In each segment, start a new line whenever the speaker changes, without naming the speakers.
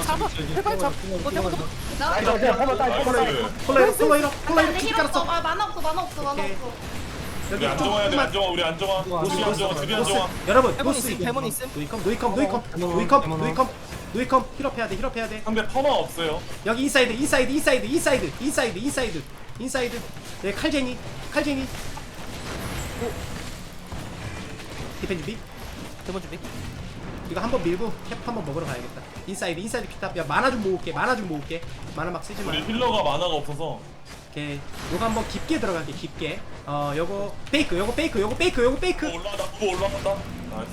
잡아. 제발 잡아.
나
이거 그냥 퍼마 따
나이스.
콜라 이로 키
힐
깔았어.
없어. 아 만화 없어. 만화 없어. 만화
오케이.
없어.
여기
우리 안정화야 돼.
조금만.
안정화 우리 안정화. 우리 안정화. 드비 안정화.
여러분
해본
노스
있음, 해본 있음.
노이컴 힐업해야 돼 힐업해야 돼.
상대 퍼마 없어요.
여기 인사이드 네 칼제니 디펜 준비.
대본 준비.
이거 한번 밀고 캡 한번 먹으러 가야겠다. 인사이드 큐탑. 야 만화 좀 모을게 만화 막 쓰지 마.
우리 힐러가 만화가 없어서.
오케이 요거 한번 깊게 들어갈게 깊게. 요거 페이크
올라간다. 그거 올라간다. 나이스.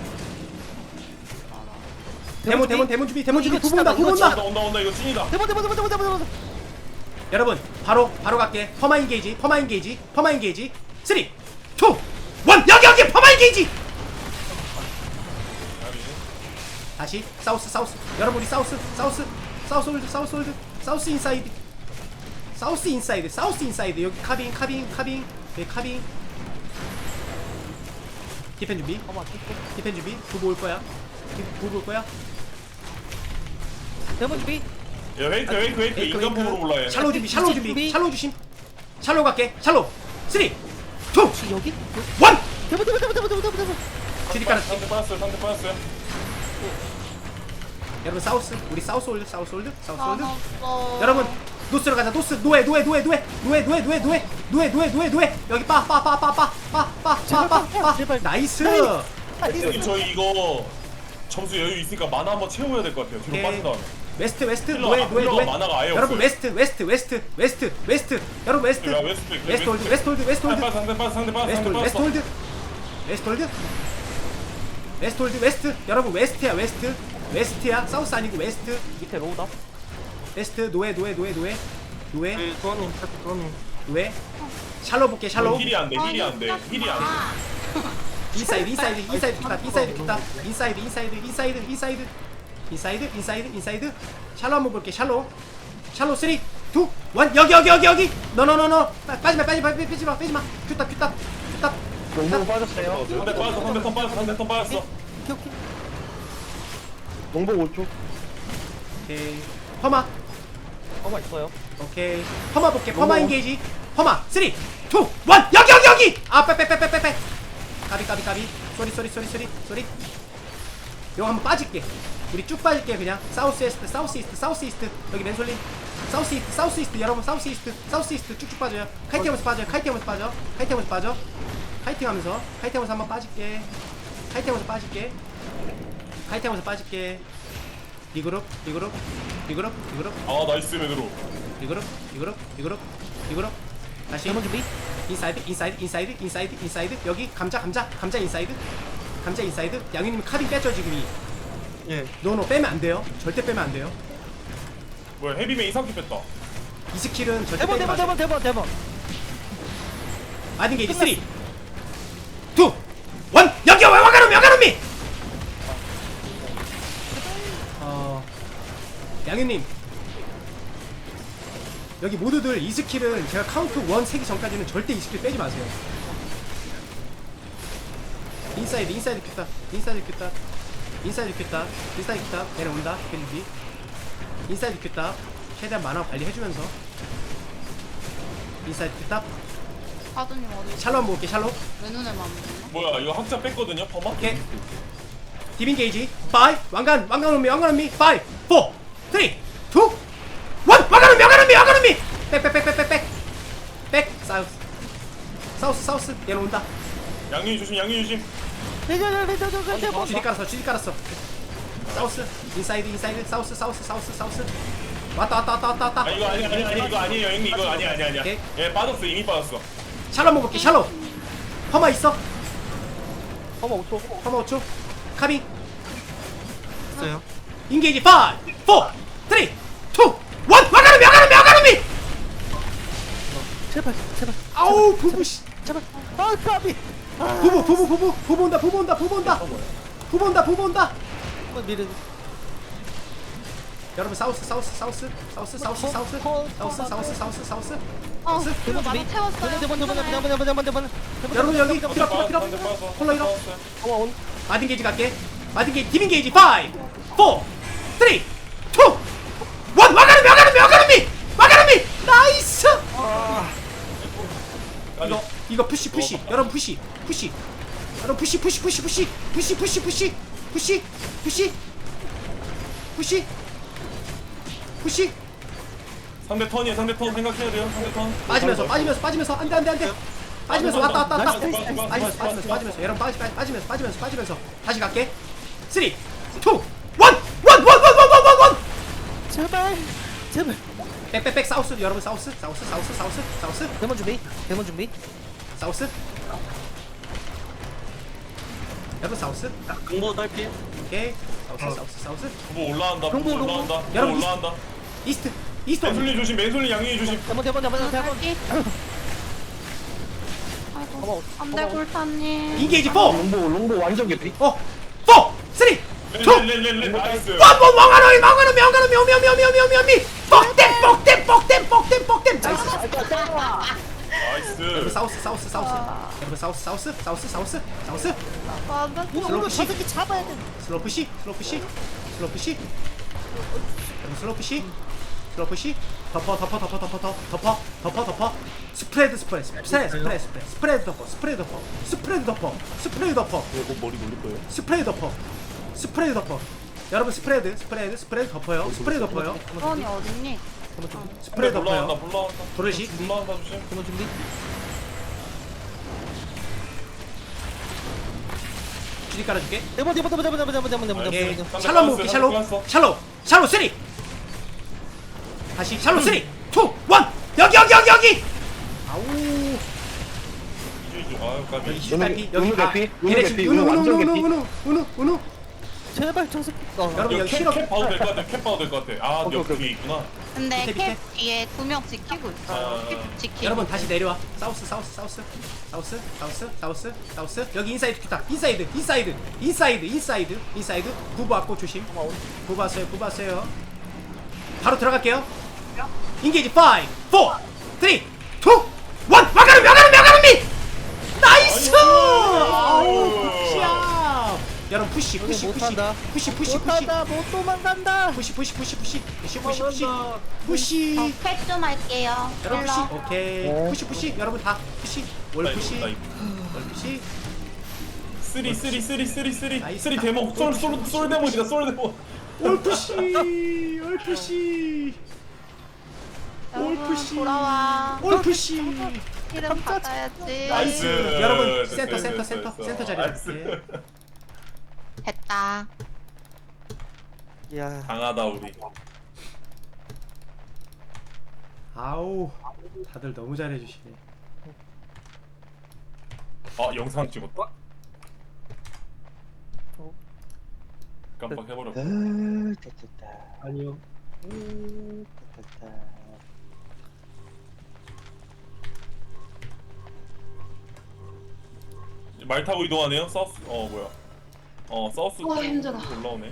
대문 준비
이거
부부 온다
온다. 이거 찐이다.
대본.
여러분 바로 갈게. 퍼마 인게이지 3 2 1 여기 퍼마 인게이지. 다시 사우스 여러분 우리 사우스 홀드 사우스 인사이드 여기 카빙 네 카빙 디펜 준비 부부 올 거야
대본 준비.
야 웨이트. 인간폭으로 올라 얘.
샬로 준비 샬로 주심 샬로 갈게 샬로 3 2 1
혹시 여기? 대본.
주디 깔았지.
상대 빠졌어요.
여러분 사우스 우리 사우스 홀드
만화 없어.
여러분 노스로 가자. 노스 노에 여기 빠
제발.
나이스.
여기 저희 이거 점수 여유 있으니까 만화 한번 채워야 될 것 같아요. 뒤로
오케이.
빠진 다음에.
웨스트
힐러가 만화가 아예
여러분
없어요.
웨스트 여러분 웨스트
야, 웨스트
홀드 웨스트 여러분 웨스트야 사우스 아니고 웨스트
밑에 로우다.
웨스트 노에
도와님
샬로 볼게 샬로
힐이 안 돼.
인사이드 샬로 한번 볼게 샬로 3 2 1 여기 노노노노 빼지마 큐탑
농봉 빠졌어요.
상대 턴 빠졌어.
오케이.
농봉 5초.
오케이 퍼마
어마 있어요.
오케이 퍼마 볼게 퍼마 인게이지 퍼마 3 2 1 여기 빼 까비 쏘리 이거 한번 빠질게 우리 쭉 빠질게 그냥 사우스 이스트 여기 맨솔린 사우스 이스트 여러분 사우스 이스트 쭉쭉 빠져요 카이팅하면서 빠져 카이팅하면서 한번 빠질게 카이팅하면서 빠질게 리그룹
아 나이스 맨으로.
리그룹 다시
대본 준비.
인사이드 여기 감자 인사이드 양유님 카빙 뺐죠 지금
예.
노 빼면 안 돼요 절대 빼면 안 돼요
뭐야 헤비맨 이상키 뺐다.
이 스킬은 절대 빼지 마세요
대본.
마딘 게이지 3 2 1 여기 와가노미 양유님 여기 모두들 이 스킬은 제가 카운트 1 세기 전까지는 절대 이 스킬 빼지 마세요 인사이드 큐다 내려온다 펜지 인사이드 큐다 최대한 만화 관리해주면서 인사이드 큐다
사두님 어디?
샬로 한번 볼게 샬로
왜 눈에 맘?
뭐야 이거 학자 뺐거든요 퍼마?
오케이 디빈 게이지 5 왕관 온미 5 4 3 2 1 왕관 온미 백 사우스 내려온다
양윤이 조심.
대본.
주디 깔았어 사우스 인사이드 사우스 왔다
아 이거 아니에요 형님 이거 아니야.
오케이.
예 빠졌어 이미 빠졌어.
샬로 한번 볼게 샬로 퍼마 있어
어마 5초.
퍼마 5초 카빙
있어요.
인게이지 5 4 3 2 1 왕가노미
제발.
아우 부부씨
제발. 아 까비.
부부 온다
미르.
여러분 사우스
이거 많이 채웠어요.
대본.
여러분 여기 필요 콜라 이러
어마 온.
마딘 게이지 갈게 마딘 게이지 디빈 게이지 5 4 3 2 이거 푸시 여러분 푸시 여러분 푸시
상대 턴이에요. 상대 턴 생각해야 돼요. 상대 턴.
빠지면서 안돼 빠지면서 왔다
나이스.
빠지면서 여러분 빠지면서 다시 갈게 3 2 1
제발 제발.
백백백 사우스 여러분 사우스
대문 준비. 대문 준비.
사우스 여러분 사우스
공보 딸피.
오케이 사우스
뭐 올라간다.
롱보,
뭐 올라간다. 뭐
여러분,
올라간다.
이스트
맨솔리 조심. 맨솔리 양이 조심.
대문.
갈게. 아이고 안돼 골타님.
인게이지 4
롱보 완전 개피.
4 3 2
렐렐렐렐 나이스.
왕하노미 뻑댐 나이스
나이스.
여러분 사우스 여러분 사우스
맞아.
이거 저 새끼 잡아야 돼.
슬로우 푸시 덮어 스프레드 덮어
이거 머리 놀릴 거예요.
스프레드 덮어 여러분 스프레드 덮어요
수원이 어딨니?
스프레드
올라간다.
덮어요
올라간다.
도르시
올라간다 조심.
대문 준비.
줄이 깔아줄게
대문.
예.
상대
샬롯 먹을게
클났어.
샬롯 3 다시 샬롯 3 2 1 여기 아우
이주. 아유 까비.
여기 히스탈피 여기
은우
다
개피,
얘네
은우
지금
개피, 은우 완전 개피.
은우
제발 저 새끼.
여러분
이거
여기 힐업
캡 봐도 될 것 같아. 캡 봐도 될 것 같아. 아,
오케이,
옆
오케이.
뒤에 있구나.
근데
밑에,
캡
밑에.
뒤에 2명 지키고 있어요. 캡 지키고.
여러분 다시 내려와 사우스 여기 인사이드 큐타 인사이드 구부 왔고 조심 구부 왔어요 바로 들어갈게요 인게이지 5 4 3 2 1 와가름미 나이스 아우 굿샷 여러분 푸시
못한다.
푸시
못한다. 못 도망간다.
푸시
캡 좀 할게요.
여러분 푸시
힐러.
오케이 푸시 여러분 다 푸시 월 푸시
쓰리
나이스.
쓰리 데모. 솔 데모이다. 솔 데모.
올 푸시
여러분
푸시.
돌아와.
올 푸시
힐은 받아야지.
나이스.
여러분
됐어,
센터
됐어.
자리
나이스.
잡을게
됐다.
야.
강하다 우리.
아우 다들 너무 잘해주시네
아 영상 찍었다.
어?
깜빡 해버렸어.
됐다. 아니요. 됐다.
말 타고 이동하네요. 서스. 뭐야? 서스.
힘들어.
올라오네.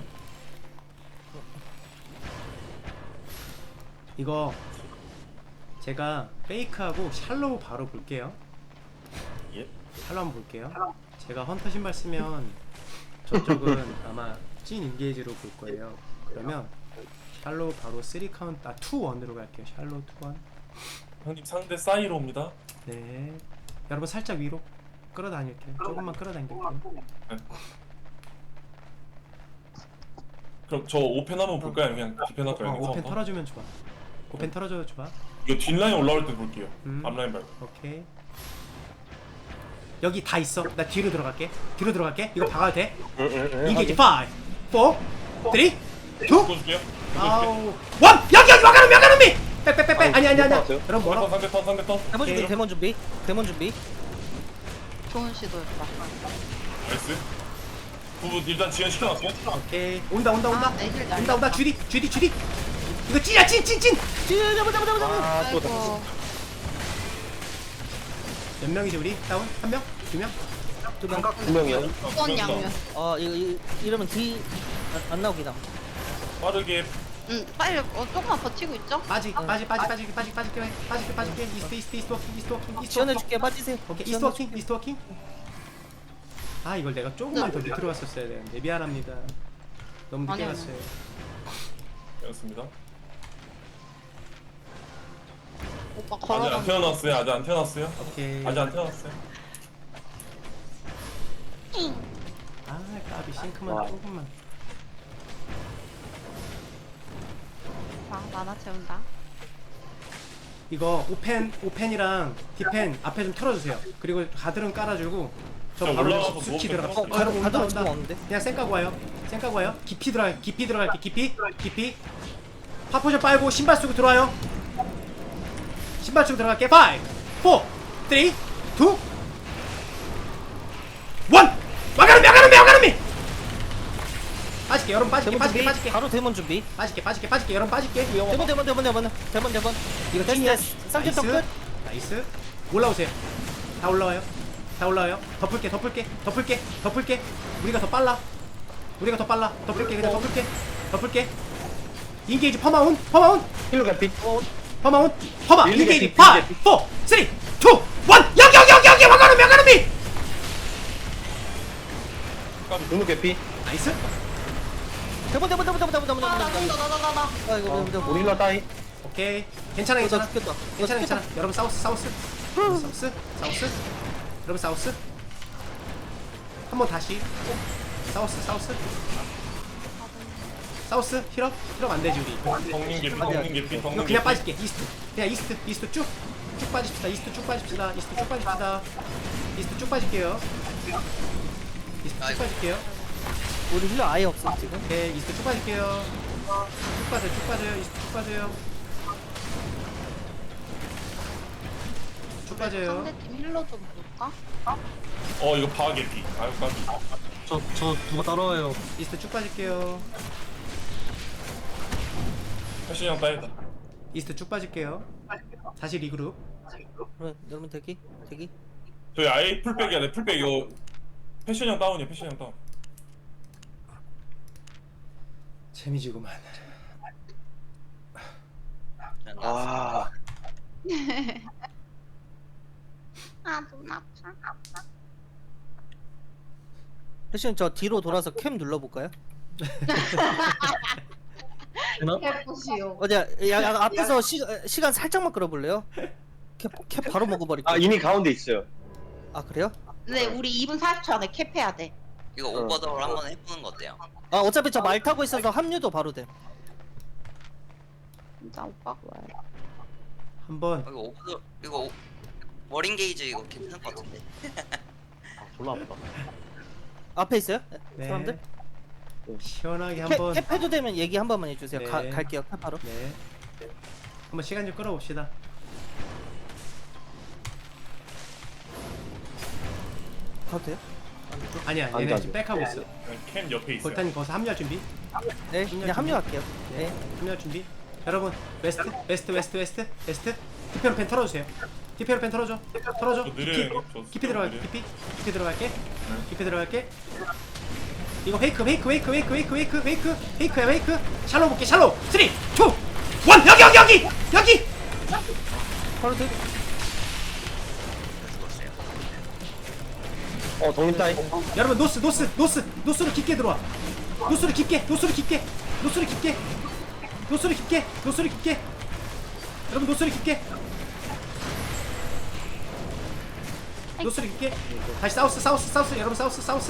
이거 제가 페이크하고 샬로우 바로 볼게요
예.
샬로우 한번 볼게요 제가 헌터 신발 쓰면 저쪽은 아마 찐 인게이지로 볼 거예요 그러면 샬로우 바로 3 카운트 2 1으로 갈게요 샬로우 2 1
형님 상대 사이로 옵니다.
네 여러분 살짝 위로 끌어다닐게요 조금만 끌어당길게요
그럼 저 오펜 한번 볼까요? 그냥 디펜 할까요? 그냥
오펜
처음부터?
털어주면 좋아 오펜 털어줘도 좋아
이거 뒷라인 올라올 때 볼게요.
음.
앞라인 말고.
오케이 여기 다 있어 나 뒤로 들어갈게 이거 박아도 돼? 인게이지 5 4 3 2
바꿔줄게요.
아우 원! 여기 와가름미 빽빽빽빽 아니 여러분 뭐라
상대 턴.
오케이.
대문 준비.
좋은 시도였다.
나이스. 부부 일단 지연 시켜놨고.
오케이 온다
아, 애들 날렸다.
온다 주디 이거 찐이야 찐
잡아.
아이고.
몇 명이지 우리? 다운? 한 명? 두 명?
두 명.
2명이요.
수원 양면.
이거 이러면 뒤 안 나오기다.
빠르게.
빨리 조금만 버티고 있죠?
빠질게 이스트 워킹
지원해줄게. 빠지세요.
오케이 이스트 워킹 아 이걸 내가 조금만 더 밑으로 왔었어야 되는데 미안합니다 너무 늦게
아니야,
갔어요
되었습니다.
오빠
아직
걸어가.
안 태어났어요. 아직 안 태어났어요.
오케이.
아직 안 태어났어요.
아 까비 싱크만
와.
조금만.
만화 채운다.
이거 오펜이랑 디펜 앞에 좀 털어주세요. 그리고 가드름 깔아주고 저
저
바로
올라가서
수치
누워
들어가.
있어요.
가드 온다
가드름 지금
온다.
없는데?
그냥 쌩 까고 와요. 쌩 까고 와요. 깊이 들어갈게. 깊이. 파포션 빨고 신발 쓰고 들어와요. 신발 쓰고 들어갈게. 5, 4, 3, 2, 1. 와가름이. 빠질게. 여러분
대본 준비.
빠질게.
바로 대본 준비.
빠질게. 여러분 빠질게.
대본.
이거
찐이야.
찐이야.
쌍점 끝.
나이스. 올라오세요. 다 올라와요. 덮을게. 우리가 더 빨라. 덮을게. 덮을게. 인게이지 퍼마운.
힐러 개피.
퍼마
밀리
인게이지.
개피,
5, 4,
밀리 개피.
3, 2, 1. 여기 와가름이.
누누 개피.
나이스.
대본.
나.
아이고
우리 힐러 따이.
오케이. 괜찮아.
나 죽겠다.
괜찮아. 여러분 사우스. 여러분 사우스. 한번 다시. 사우스 힐업 안 되지 우리.
덕님 개피.
이거 그냥 빠질게. 이스트 쭉 빠집시다. 이스트 쭉 빠질게요. 이스트 쭉 빠질게요.
우리 힐러 아예 없어 지금.
오케이, 이스트 쭉 빠질게요. 쭉 빠져요. 이스트 쭉 빠져요.
상대팀 힐러 좀 볼까?
이거 바 개피. 아유 까비.
저 누가 따라와요.
이스트 쭉 빠질게요.
패션 형 따이다.
이스트 쭉 빠질게요. 다시 리그룹.
그럼 여러분 대기.
저희 아예 풀백이야. 내 풀백 이거 패션 형 다운이야. 패션 형 다운.
재미지구만.
아,
눈 아파.
패션 저 뒤로 돌아서 캠 눌러볼까요?
해보시오.
어디야? 야 앞에서 시간 살짝만 끌어볼래요? 캡 바로 먹어버릴게.
이미 가운데 있어요.
아 그래요?
네, 우리 2분 40초 안에 캡해야 돼.
이거 오버더블 한번 해보는 거 어때요?
아 어차피 저 말 타고 있어서 합류도 바로 돼.
진짜 오빠가 왜?
한번
이거 오버더 이거 워링 게이지 이거 괜찮을 것 같은데.
졸라 아프다.
앞에 있어요?
네.
사람들?
시원하게 한번
캡 해도 되면 얘기 한 번만 해주세요.
네.
갈게요. 캡 바로.
네. 한번 시간 좀 끌어봅시다.
가도 돼요?
아니야,
안
얘네
가죠.
지금 백하고 있어.
캠 옆에 있어요.
볼탄이 거기서 합류할 준비.
네, 그냥 합류할게요. 네.
합류할 준비. 여러분, 웨스트. 디페로펜 털어주세요. 디페로펜 털어줘.
저 느려요. 저
깊이 들어갈게.
느려요.
깊이 들어갈게. 이거 페이크야. 샬로 볼게. 샬로. 3, 2, 1. 여기.
바로 되게.
동님 따이.
여러분 노스로 깊게 들어와. 노스로 깊게. 여러분 노스로 깊게. 다시 사우스. 여러분 사우스.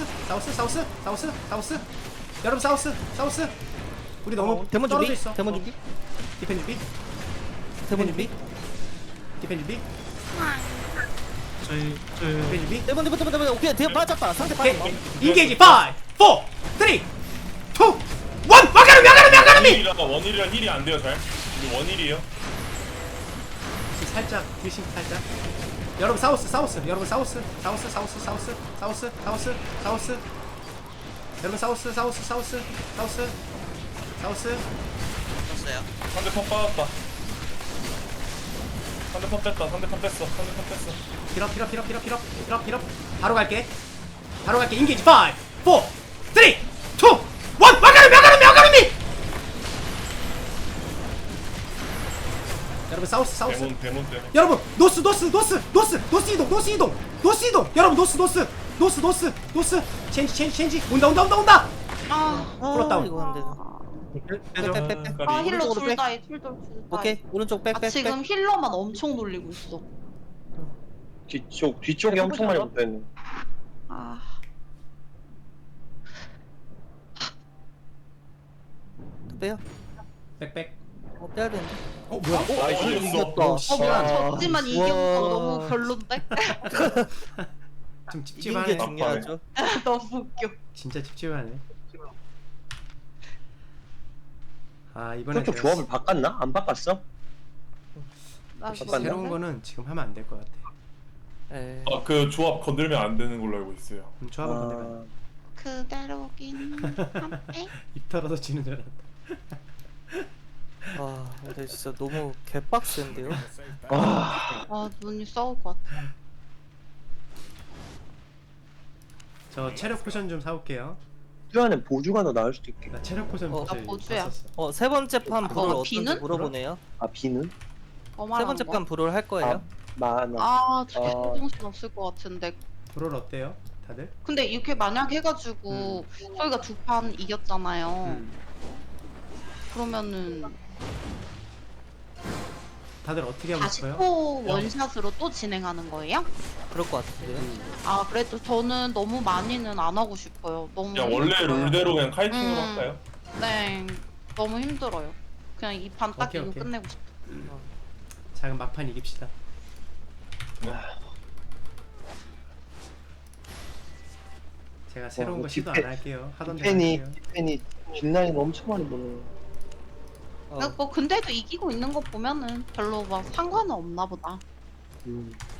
여러분 사우스. 우리 너무
대문
떨어져
준비.
있어.
대문 준비.
디펜 준비.
대문 준비.
디펜 준비.
대문. 오케이. 대문 빠졌다. 상대
오케이.
빠졌다.
인게이지 5, 4, 3, 2, 1. 와가름이.
원일이라 힐이 안 돼요 잘. 이거 원일이에요.
살짝 딜싱 살짝. 여러분 사우스. 여러분 사우스. 여러분 사우스.
떴어요.
상대편 빠졌다. 상대편 뺐어.
피럽. 바로 갈게. 인게이지 5, 4, 3, 2, 1. 와가름이. 여러분 사우스.
데몬 때문에.
여러분 노스 이동. 여러분 노스. 체인지. 온다.
아,
풀었다운.
이거 안 되나?
빼줘.
빼빼빼빼.
아 힐러
오른쪽으로 빼.
둘다해 둘다
오케이 오른쪽
아
빽빽빽.
지금 힐러만 엄청 놀리고 있어.
뒤쪽에 엄청 많이 붙어있네.
아
빼요.
빽빽.
빼야 되는데.
뭐야?
나이스.
이겼다.
뭐야 졌지만
우와.
이긴 거 너무 별론데?
좀
이긴 게
찝찝하네.
중요하죠.
너무 웃겨.
진짜 찝찝하네. 아 이번에
저쪽 조합을 바꿨나? 안 바꿨어?
나
잠깐만요.
새로운 거는 지금 하면 안 될 것 같아.
에.
그 조합 건들면 안 되는 걸로 알고 있어요.
조합을 건드면
그대로긴 한데
입 털어서 지는 줄 알았다.
아 근데 진짜 너무 개빡센데요.
아 눈이 싸울 것 같아.
저 체력 포션 좀 사올게요.
수아는 보조가 더 나을 수도 있겠다.
나 체력 포션
어,
벌써
나 보조야.
샀었어.
세 번째 판 불을 어떤지
비는?
물어보네요.
아 비는?
뭐
세 번째 판 불을 할 거예요.
많아.
아 진짜 정신 없을 것 같은데.
브롤 어때요? 다들?
근데 이렇게 만약 해가지고 저희가 두 판 이겼잖아요. 그러면은
다들 어떻게 하고 싶어요?
40호 원샷으로 또 진행하는 거예요?
그럴 것 같은데요.
아 그래도 저는 너무 많이는 안 하고 싶어요. 너무
그냥 원래
힘들어요.
룰대로 그냥 카이팅으로
음.
할까요?
네 너무 힘들어요. 그냥 이 판 딱
오케이,
이거
오케이.
끝내고 싶어.
작은 막판 이깁시다. 제가 새로운
뭐
거 시도 안 할게요. 하던 대로
디펜이
할게요.
디펜이 딜라인 엄청 많이 보네.
어.
뭐 근데도 이기고 있는 거 보면은 별로 막 상관은 없나 보다.
음.